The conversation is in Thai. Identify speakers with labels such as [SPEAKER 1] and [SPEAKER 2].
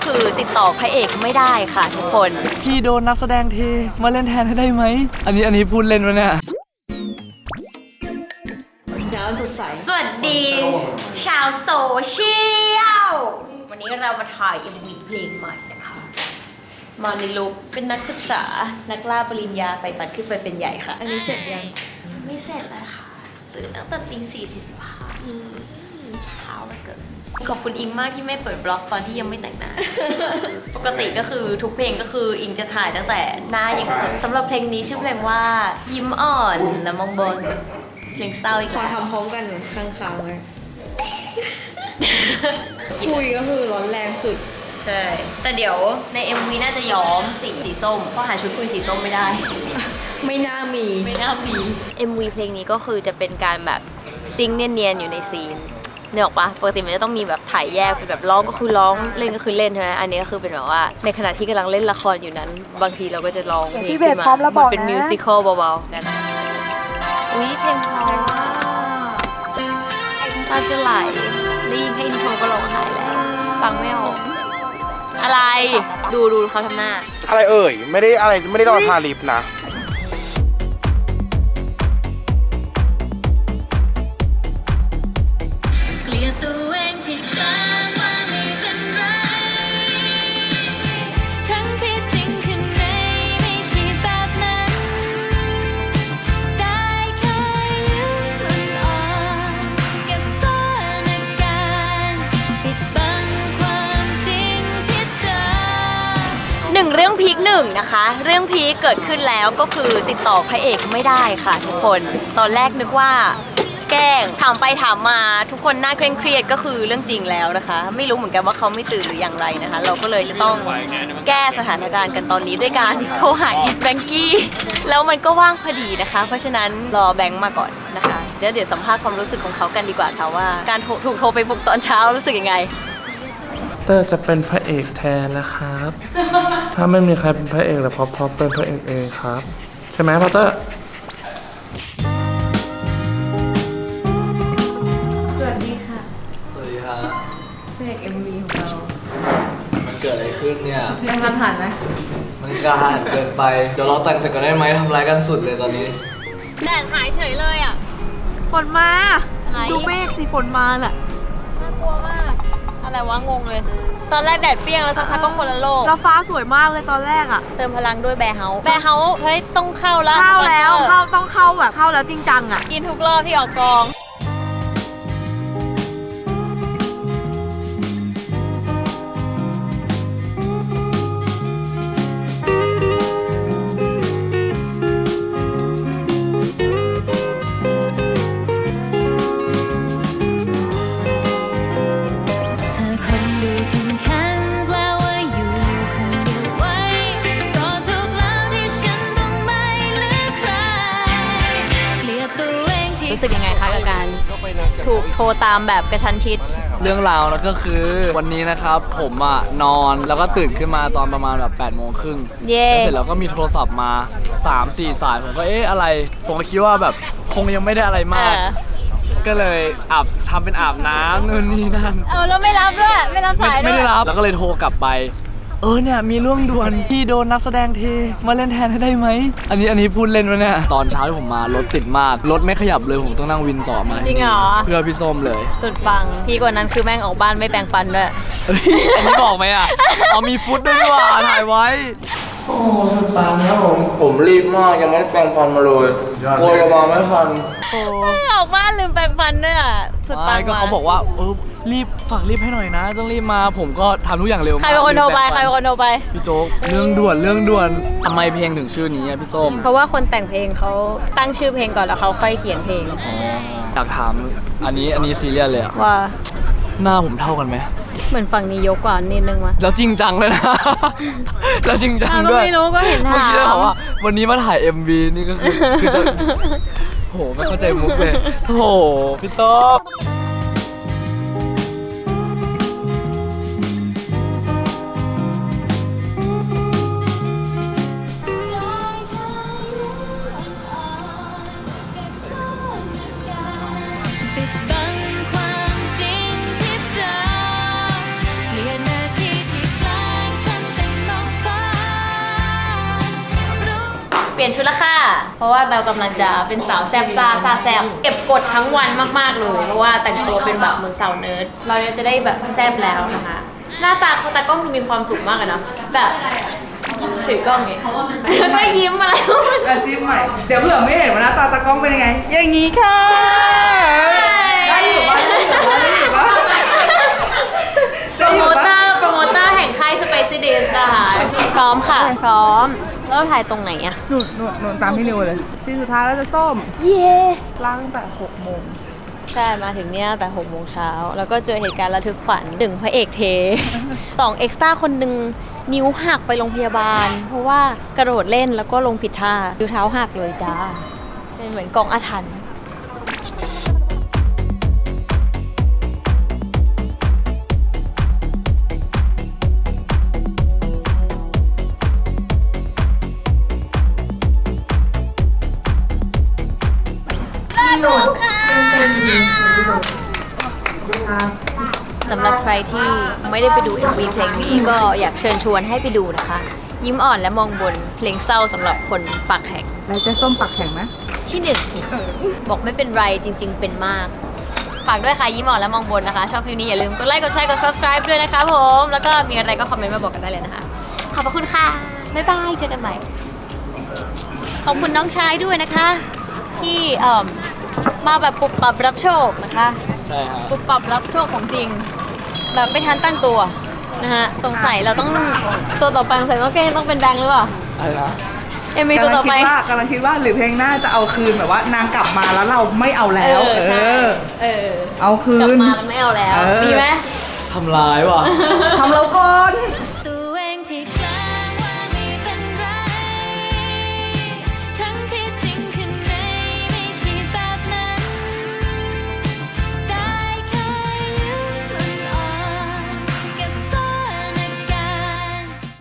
[SPEAKER 1] คือติดต่อพระเอกไม่ได้ค่ะทุกคน
[SPEAKER 2] พี่โดนนักแสดงเทมาเล่นแทนให้ได้ไหมอันนี้พูดเล่นวะเนี่ย
[SPEAKER 1] สวัสดีชาวโซเชียลวันนี้เรามาถ่าย MV เพลงใหม่นะคะมาในลุคเป็นนักศึกษานักล่าปริญญาใฝ่ฝันขึ้นไปเป็นใหญ่ค่ะอันนี้เสร็จยังไม่เสร็จเลยค่ะตื่นตั้งแต่ตี 4:45เช้าเหลือเกินขอบคุณอิงมากที่ไม่เปิดบล็อกตอนที่ยังไม่แต่งหน้า ปกติก็คือทุกเพลงก็คืออิงจะถ่ายตั้งแต่หน้ายังสดสำหรับเพลงนี้ชื่อเพลงว่ายิ้มอ่อนและมองบนเพลงเศร้าอีก
[SPEAKER 3] ขอ
[SPEAKER 1] แล้ว
[SPEAKER 3] ทำพร้อมกันค้างๆไว้ คุยก็คือร้อนแรงสุด
[SPEAKER 1] ใช่แต่เดี๋ยวใน MV น่าจะย้อมสีส้มเพราะหาชุดคุยสีส้มไม่ได้
[SPEAKER 3] ไม่น่ามี
[SPEAKER 1] MV เพลงนี้ก็คือจะเป็นการแบบซิงค์เนียนๆอยู่ในซีนเนี่ยออกปะปกติมันจะต้องมีแบบถ่ายแยกเป็นแบบร้องก็คือร้องเล่นก็คือเล่นใช่ไหมอันนี้ก็คือเป็นแบบว่าในขณะที่กำลังเล่นละครอยู่นั้นบางทีเราก็จะร้องเพลงขึ้นมาเหมือนเป็นมิวสิควลเบาๆกันอุ้ยเพลงเพราะตาจะไหลได้ยินแค่อินโทรก็ร้องไห้แล้วฟังไม่ออกอะไรดูเขาทำหน้า
[SPEAKER 4] อะไรเอ่ยไม่ได้รอทาลิปนะ
[SPEAKER 1] เกลียดตัวเองที่กลางว่าไม่เป็นไรทั้งที่จริงข้างในไม่ใช่แบบนั้นได้แค่ยิ้มอ่อนๆเก็บซ่อนอาการปิดบังความจริงที่เจอหนึ่งเรื่องพีคหนึ่งนะคะเรื่องพีคเกิดขึ้นแล้วก็คือติดต่อพระเอกไม่ได้ค่ะทุกคนตอนแรกนึกว่าแกล้งถามไปถามมาทุกคนน่าเคร่งเครียดก็คือเรื่องจริงแล้วนะคะไม่รู้เหมือนกันว่าเขาไม่ตื่นหรืออย่างไรนะคะเราก็เลยจะต้องแก้สถานการณ์กันตอนนี้ด้วยการโทรหาอีสแบงกี้แล้วมันก็ว่างพอดีนะคะเพราะฉะนั้นรอแบงค์มาก่อนนะคะเดี๋ยวสัมภาษณ์ความรู้สึกของเขากันดีกว่าค่ะว่าการถูกโทรไปปลุกตอนเช้ารู้สึกยังไง
[SPEAKER 2] เตอร์จะเป็นพระเอกแทนนะครับ ถ้าไม่มีใครเป็นพระเอกแล้วพอเป็นพระเอกเองครับใช่ไหมพอเตอร์
[SPEAKER 3] สวัสดีค่ะ
[SPEAKER 5] สวัสดีครับ
[SPEAKER 3] เพลง MV ของเรา
[SPEAKER 5] มันเกิดอะไรขึ้นเนี่ย
[SPEAKER 3] ยังทันหันไหม
[SPEAKER 5] มันกล้าหาญเกินไป เดี๋ยวเราแต่งเสร็จก่อนได้ไหมทำร้ายกันสุดเลยตอนนี้
[SPEAKER 1] แดดหายเฉยเลยอ่ะ
[SPEAKER 3] ฝนมา
[SPEAKER 1] อะไร
[SPEAKER 3] ดูเมฆสิฝนมาน่ะ
[SPEAKER 1] น่ากลัวมากอะไรวะงงเลย ตอนแรกแดดเปรี้ยงแล้วสักพักก็คนละโลก
[SPEAKER 3] แล้วฟ้าสวยมากเลยตอนแรกอ่ะ
[SPEAKER 1] เติมพลังด้วยแบร์เฮาส์เฮ้ยต้องเข้าแล้ว
[SPEAKER 3] เข้าแล้ว
[SPEAKER 1] สปอนเซอร์
[SPEAKER 3] ต้องเข้าแบบเข้าแล้วจริงจังอ่ะ
[SPEAKER 1] กินทุกรอบที่ออกกองรู้สึกยังไงคะกับการถูกโทรตามแบบกระชั้นชิด
[SPEAKER 2] เรื่องราวนะก็คือวันนี้นะครับผมอ่ะนอนแล้วก็ตื่นขึ้นมาตอนประมาณแบบ8:30นแล้วเสร็จแล้วก็มีโทรศัพท์มา 3-4 สายผมก็อะไรผมก็คิดว่าแบบคงยังไม่ได้อะไรมากก็เลยทำเป็นอาบน้ำนู่นนี่นั่น
[SPEAKER 1] แล้วไม่รับด้วยไม่รับสายด้วย
[SPEAKER 2] ไม่ได้รับแล้วก็เลยโทรกลับไปเนี่ยมีเรื่องด่วนพี่โดนนักแสดงเทมาเล่นแทนให้ได้ไหมอันนี้พูดเล่นวะเนี่ยตอนเช้าที่ผมมารถติดมากรถไม่ขยับเลยผมต้องนั่งวินต่อมา
[SPEAKER 1] จริงเหรอ
[SPEAKER 2] เพื่อพี่ส้มเลย
[SPEAKER 1] สุดปังพี่กว่านั้นคือแม่งออกบ้านไม่แปรงฟันด้วย
[SPEAKER 2] อันนี้บอกไหมอ่ะมีฟุตด้วยว่าถ่ายไว้โอ้สุดปังครับผมรีบมากยังไม่ได้แปรงฟันมาเลยโวยมาไม่ทัน
[SPEAKER 1] ออกบ้านลืมแปรงฟันด้วยอ่ะสุดปัง
[SPEAKER 2] ก็เขาบอกว่าฝากรีบให้หน่อยนะต้องรีบมาผมก็ทำทุกอย่างเร็วมาก
[SPEAKER 1] ใครเป็นคนโทรไป
[SPEAKER 2] พี่โจ๊กเรื่องด่วนทำไมเพลงถึงชื่อนี้พี่ส้ม
[SPEAKER 1] เพราะว่าคนแต่งเพลงเขาตั้งชื่อเพลงก่อนแล้วเขาค่อยเขียนเพลง
[SPEAKER 2] อยากถามอันนี้ซีเรียสเลย
[SPEAKER 1] ว่า
[SPEAKER 2] หน้าผมเท่ากันไหม
[SPEAKER 1] เหมือนฝั่งนี้ยกกว่านิดนึงวะ
[SPEAKER 2] แล้วจริงจังเลยนะแล้วจริงจังด้วย
[SPEAKER 1] ไม่รู้ก็เห็นถาม
[SPEAKER 2] เมื่อกี้เขาว่าวันนี้มาถ่าย MV นี่ก็คือจะโหไม่เข้าใจมุกเลยโหพี่ส้ม
[SPEAKER 1] ความจริงที่เจอเปลี่ยนนาทีที่ใกล้ลี่ยนชุดละค่ะ เพราะว่าเรากำลังจะเป็นสาวแซบซาแซบเก็บกดทั้งวันมากๆเลย เพราะว่าแต่งตัวเป็นแบบเหมือนสาวเนิร์ด เราเนี่ยจะได้แบบแซบแล้วนะคะ หน้าตาเขาตากล้องดูมีความสุขมากเลยนะแบบถือกล้องอย่างงี้แล้วก็ยิ้มอะไร
[SPEAKER 6] อาชีพใหม่ เดี๋ยวเผื่อไม่เห็นว่าหน้าตาตากล้องเป็นยังไง อย่างนี้ค่ะ ได้อยู่ปะได้อยู่ปะ
[SPEAKER 1] โปรโมเตอร์แห่งค่าย Spicy Days นะคะพร้อมค่ะ พร้อม แล้วถ่ายตรงไหนอะ
[SPEAKER 6] หนูตามพี่นิวเลยที่สุดท้ายแล้วจะส้ม
[SPEAKER 1] เย่
[SPEAKER 6] ล้างตั้งแต่6 โมง
[SPEAKER 1] ใช่ มาถึงเนี่ยแต่6 โมงเช้า แล้วก็เจอเหตุการณ์ระทึกขวัญหนึ่งพระเอกเท 2 เอ็กซ์ตร้าคนหนึ่งนิ้วหักไปโรงพยาบาล เพราะว่ากระโดดเล่นแล้วก็ลงผิดท่านิ้วเท้าหักเลยจ้า เป็นเหมือนกองอาถรรพ์สำหรับใครที่ไม่ได้ไปดู MV เพลงนี้ก็อยากเชิญชวนให้ไปดูนะคะ ยิ้มอ่อนและมองบนเพลงเศร้าสำหรับคนปากแข็ง
[SPEAKER 6] แล้วจะส้มปักแข็งไหม
[SPEAKER 1] ที่หนึ่งบอกไม่เป็นไรจริง ๆ เป็นมาก ฝากด้วยค่ะยิ้มอ่อนและมองบนนะคะ ชอบคลิปนี้อย่าลืมกดไลค์กดแชร์กด subscribe ด้วยนะคะผมแล้วก็มีอะไรก็คอมเมนต์มาบอกกันได้เลยนะคะ ขอบพระคุณค่ะบ๊ายบายเจอกันใหม่ขอบคุณน้องชายด้วยนะคะ ที่มาแบบปุบปับรับโชคนะคะ
[SPEAKER 2] ใช่ครับ
[SPEAKER 1] ปุบปับรับโชคของจริง แบบไม่ทันตั้งตัวนะฮะสงสัยเราต้องตัวต่อไปสงสัยต้องเป็นแบงค์หรือเปล่า
[SPEAKER 2] อะไรนะ
[SPEAKER 1] MV ตัวต่อไป
[SPEAKER 6] กำลังคิดว่าหรือเพลงหน้าจะเอาคืนแบบว่านางกลับมาแล้วเราไม่เอาแล้ว
[SPEAKER 1] ใช่เอาคืน
[SPEAKER 6] เอาคืน
[SPEAKER 1] กลับมาแล้วไม่เอาแล้ว
[SPEAKER 6] เออ
[SPEAKER 1] ดีไหม
[SPEAKER 2] ทำร้ายว่ะ
[SPEAKER 6] ทำเราก่อน